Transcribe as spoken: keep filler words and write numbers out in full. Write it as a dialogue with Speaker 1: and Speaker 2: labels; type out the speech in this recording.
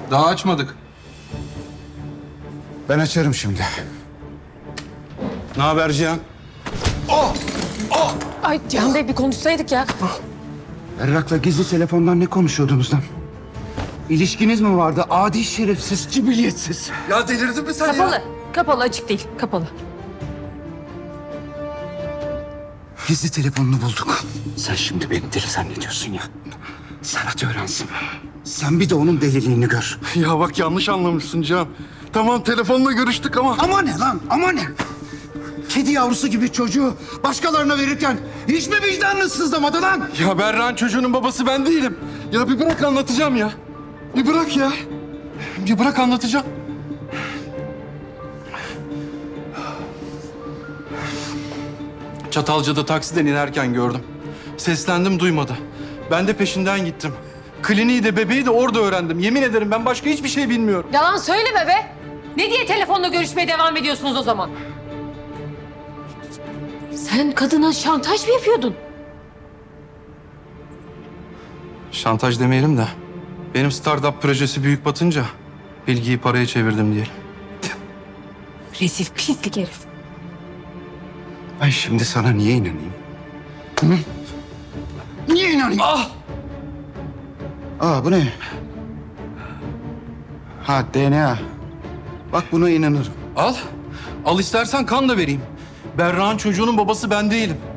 Speaker 1: Daha açmadık.
Speaker 2: Ben açarım şimdi. Ne haber Cihan?
Speaker 3: Ay Cihan Bey bir konuşsaydık ya.
Speaker 2: Berrak'la gizli telefondan ne konuşuyordunuz lan? İlişkiniz mi vardı? Adi şerefsiz, cibiliyetsiz.
Speaker 1: Ya delirdin mi sen
Speaker 3: Kapalı. Kapalı açık değil. Kapalı.
Speaker 2: Gizli telefonunu bulduk. Sen şimdi beni deli zannediyorsun ya. Serhat öğrensin. Sen bir de onun deliliğini gör.
Speaker 1: Ya bak yanlış anlamışsın Can. Tamam telefonla görüştük ama...
Speaker 2: Ama ne lan? Ama ne? Kedi yavrusu gibi çocuğu başkalarına verirken hiç mi vicdanınız sızlamadı lan?
Speaker 1: Ya Berra'nın çocuğunun babası ben değilim. Ya bir bırak anlatacağım ya. Bir bırak ya. Bir bırak anlatacağım. Çatalca'da taksiden inerken gördüm. Seslendim duymadı. Ben de peşinden gittim. Kliniği de bebeği de orada öğrendim. Yemin ederim ben başka hiçbir şey bilmiyorum.
Speaker 3: Yalan söyleme be. Ne diye telefonla görüşmeye devam ediyorsunuz o zaman? Sen kadına şantaj mı yapıyordun?
Speaker 1: Şantaj demeyelim de benim startup projesi büyük batınca bilgiyi paraya çevirdim diyelim.
Speaker 3: Rezil pislik herif.
Speaker 2: Ben şimdi sana niye inanayım? Hı? Niye inanayım?
Speaker 1: Ah!
Speaker 2: Aa bu ne? Ha D N A. Bak buna inanırım.
Speaker 1: Al. Al istersen kan da vereyim. Berra'nın çocuğunun babası ben değilim.